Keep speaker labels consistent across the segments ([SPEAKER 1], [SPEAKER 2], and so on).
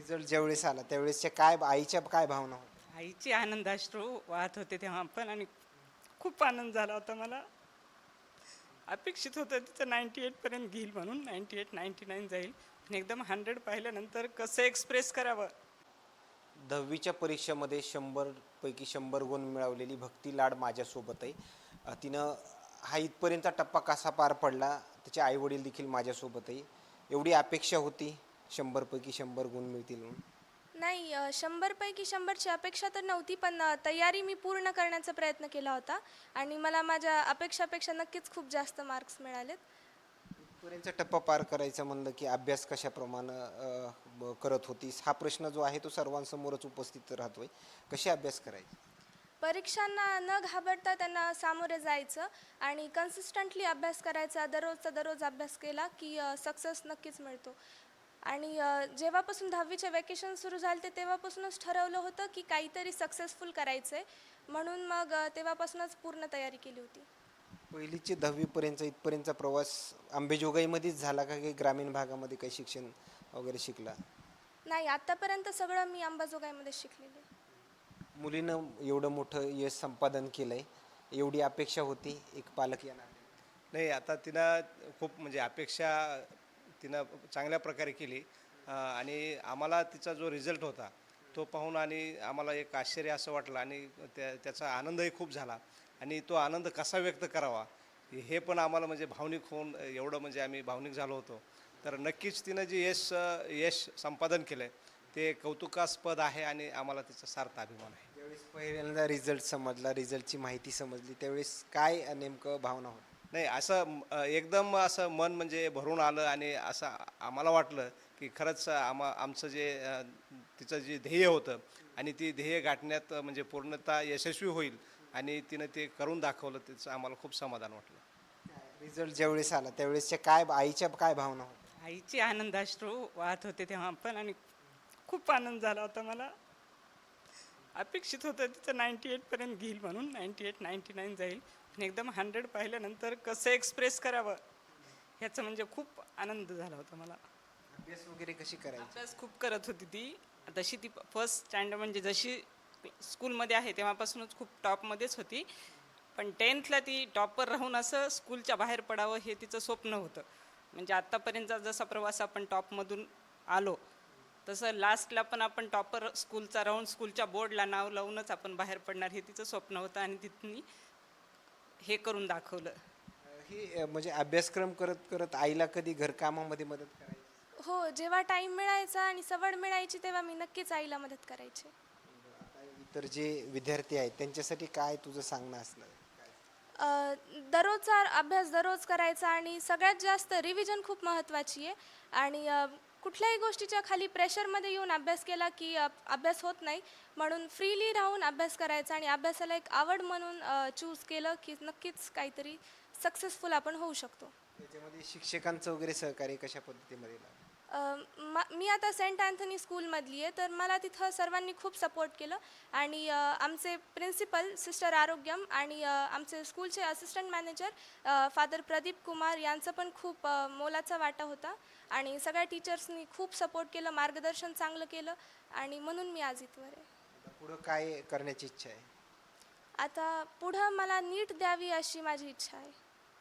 [SPEAKER 1] Result ज्यावेळेस आला त्यावेळेसच्या काय आईच्या काय भावना होत्या?
[SPEAKER 2] आईचे आनंदाश्रू वाहत होते तेव्हा पण, आणि खूप आनंद झाला होता मला. अपेक्षित होतं तिचं 98 पर्यंत घेईल म्हणून, 98 99 जाईल, पण एकदम 100 पाहिल्यानंतर कसं एक्सप्रेस करावं.
[SPEAKER 1] 10वीच्या परीक्षेमध्ये 100 पैकी 100 गुण मिळवलेली भक्ती लाड माझ्यासोबत आहे. तिनं हा इथपर्यंतचा टप्पा कसा पार पडला, तिचे आई वडील देखील माझ्यासोबत आहे. एवढी अपेक्षा होती 100 पैकी 100 गुण मिळतील म्हणून?
[SPEAKER 3] नाही, 100पैकी 100ची अपेक्षा तर नव्हती, पण तयारी मी पूर्ण करण्याचा प्रयत्न केला होता आणि मला माझ्या अपेक्षापेक्षा नक्कीच खूप जास्त मार्क्स मिळालेत.
[SPEAKER 1] इथपर्यंतचा टप्पा पार करायचा म्हणलं की अभ्यास कशाप्रमाणे करत होतीस? हा प्रश्न जो आहे तो सर्वांसमोरच उपस्थित राहतोय. कशी अभ्यास करायची?
[SPEAKER 3] परीक्षांना न घाबरता त्यांना सामोरे जायचं आणि कन्सिस्टंटली अभ्यास करायचा. दररोजचा दररोज अभ्यास केला की सक्सेस नक्कीच मिळतो. आणि जेव्हापासून 10वीचे वेकेशन सुरू झाले तेव्हापासूनच ठरवलं होतं की काहीतरी सक्सेसफुल करायचं आहे, म्हणून मग तेव्हापासूनच पूर्ण तयारी केली होती.
[SPEAKER 1] पहिलीचे 10वी पर्यंतचा इथपर्यंतचा प्रवास अंबेजोगाईमध्येच झाला का, काही ग्रामीण भागामध्ये काही शिक्षण वगैरे शिकला?
[SPEAKER 3] नाही, आत्तापर्यंत सगळं मी अंबाजोगाईमध्ये शिकलेले.
[SPEAKER 1] मुलीनं एवढं मोठं यश संपादन केलंय, एवढी अपेक्षा होती एक पालक या नात्याने?
[SPEAKER 4] नाही, आता तिनं खूप म्हणजे अपेक्षा तिनं चांगल्या प्रकारे केली. आणि आम्हाला तिचा जो रिझल्ट होता तो पाहून आणि आम्हाला एक आश्चर्य असं वाटलं आणि त्याचा आनंदही खूप झाला. आणि तो आनंद कसा व्यक्त करावा हे पण आम्हाला म्हणजे भावनिक होऊन एवढं म्हणजे आम्ही भावनिक झालो होतो. तर नक्कीच तिनं जे यश संपादन केलं आहे ते कौतुकास्पद आहे आणि आम्हाला तिचा सार्थ अभिमान आहे.
[SPEAKER 1] ज्यावेळेस पहिल्यांदा रिझल्ट समजला, रिझल्टची माहिती समजली, त्यावेळेस काय नेमकं भावना होती?
[SPEAKER 4] नाही, असं एकदम असं मन म्हणजे भरून आलं आणि असं आम्हाला वाटलं की खरंच आमचं जे तिचं जे ध्येय होतं आणि ती ध्येय गाठण्यात म्हणजे पूर्णतः यशस्वी होईल आणि तिनं ते करून दाखवलं, त्याचं आम्हाला खूप समाधान वाटलं.
[SPEAKER 1] रिझल्ट ज्यावेळेस आला त्यावेळेसच्या काय आईच्या काय भावना होत्या?
[SPEAKER 2] आईचे आनंदाश्रू वाहत होते तेव्हा पण, आणि खूप आनंद झाला होता मला. अपेक्षित होतं तिचं 98 पर्यंत घेईल म्हणून, 98 99 जाईल, पण एकदम 100 पाहिल्यानंतर कसं एक्सप्रेस करावं ह्याचं म्हणजे खूप आनंद झाला होता मला.
[SPEAKER 1] अभ्यास वगैरे कशी करायची?
[SPEAKER 2] अभ्यास खूप करत होती ती. तशी ती फर्स्ट स्टँडर्ड म्हणजे जशी स्कूलमध्ये आहे तेव्हापासूनच खूप टॉपमध्येच होती, पण 10थला ती टॉपर राहून असं स्कूलच्या बाहेर पडावं हे तिचं स्वप्न होतं. म्हणजे आत्तापर्यंतचा जसा प्रवास आपण टॉपमधून आलो तसं लास्टला पण आपण टॉपर स्कूलचा राहून स्कूलच्या बोर्डला नाव लावूनच आपण बाहेर पडणार हे तिचं स्वप्न होतं, आणि तिथून हे करून दाखवलं.
[SPEAKER 1] ही म्हणजे अभ्यासक्रम करत करत आईला कधी घरकामामध्ये मदत करायची?
[SPEAKER 3] हो, जेव्हा टाईम मिळायचा आणि सवड मिळायची तेव्हा मी नक्कीच आईला मदत करायचे.
[SPEAKER 1] आता इतर जे विद्यार्थी आहेत त्यांच्यासाठी काय तुझं सांगणं असणार?
[SPEAKER 3] दररोजचा अभ्यास दररोज करायचा आणि सगळ्यात जास्त रिव्हिजन खूप महत्त्वाची आहे. आणि कुठल्याही गोष्टीच्या खाली प्रेशरमध्ये येऊन अभ्यास केला की अभ्यास होत नाही, म्हणून फ्रीली राहून अभ्यास करायचा आणि अभ्यासाला एक आवड म्हणून चूज केलं की नक्कीच काहीतरी सक्सेसफुल आपण होऊ शकतो.
[SPEAKER 1] त्याच्यामध्ये शिक्षकांचं वगैरे सहकार्य कशा पद्धतीमध्ये लागलं?
[SPEAKER 3] मी आता सेंट अँथनी स्कूलमधली आहे, तर मला तिथं सर्वांनी खूप सपोर्ट केलं. आणि आमचे प्रिन्सिपल सिस्टर आरोग्यम आणि आमचे स्कूलचे assistant manager father Pradeep Kumar यांचं पण खूप मोलाचा वाटा होता. आणि सगळ्या टीचर्सनी खूप सपोर्ट केलं, मार्गदर्शन चांगलं केलं, आणि म्हणून मी आज इथवर आहे.
[SPEAKER 1] आता पुढं काय करण्याची इच्छा आहे?
[SPEAKER 3] आता पुढं मला नीट द्यावी अशी माझी इच्छा आहे.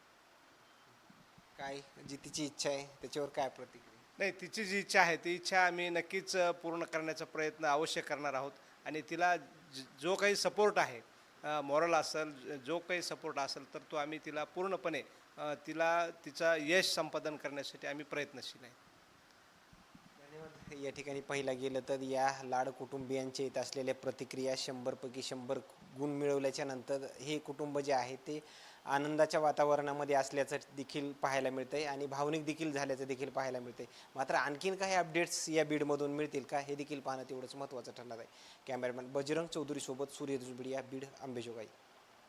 [SPEAKER 1] काय जी तिची इच्छा आहे त्याच्यावर काय प्रतिक्रिया?
[SPEAKER 4] नाही, तिची जी इच्छा आहे ती इच्छा आम्ही नक्कीच पूर्ण करण्याचा प्रयत्न अवश्य करणार आहोत. आणि तिला जो काही सपोर्ट आहे, मॉरल असेल, जो काही सपोर्ट असेल तर तो आम्ही तिला पूर्णपणे तिला तिचा यश संपादन करण्यासाठी आम्ही प्रयत्नशील आहे.
[SPEAKER 1] धन्यवाद. या ठिकाणी पाहिलं गेलं तर या लाड कुटुंबियांचे येत असलेल्या प्रतिक्रिया, 100 पैकी 100 गुण मिळवल्याच्या नंतर हे कुटुंब जे आहे ते आनंदाच्या वातावरणामध्ये असल्याचं देखील पाहायला मिळतंय आणि भावनिक देखील झाल्याचं देखील पाहायला मिळतंय. मात्र आणखीन काही अपडेट्स या बीडमधून मिळतील का हे देखील पाहणं तेवढंच महत्त्वाचं ठरणार आहे. कॅमेरामॅन बजरंग चौधरीसोबत सूर्य दुसबिडिया, बीड, अंबेजोगाई.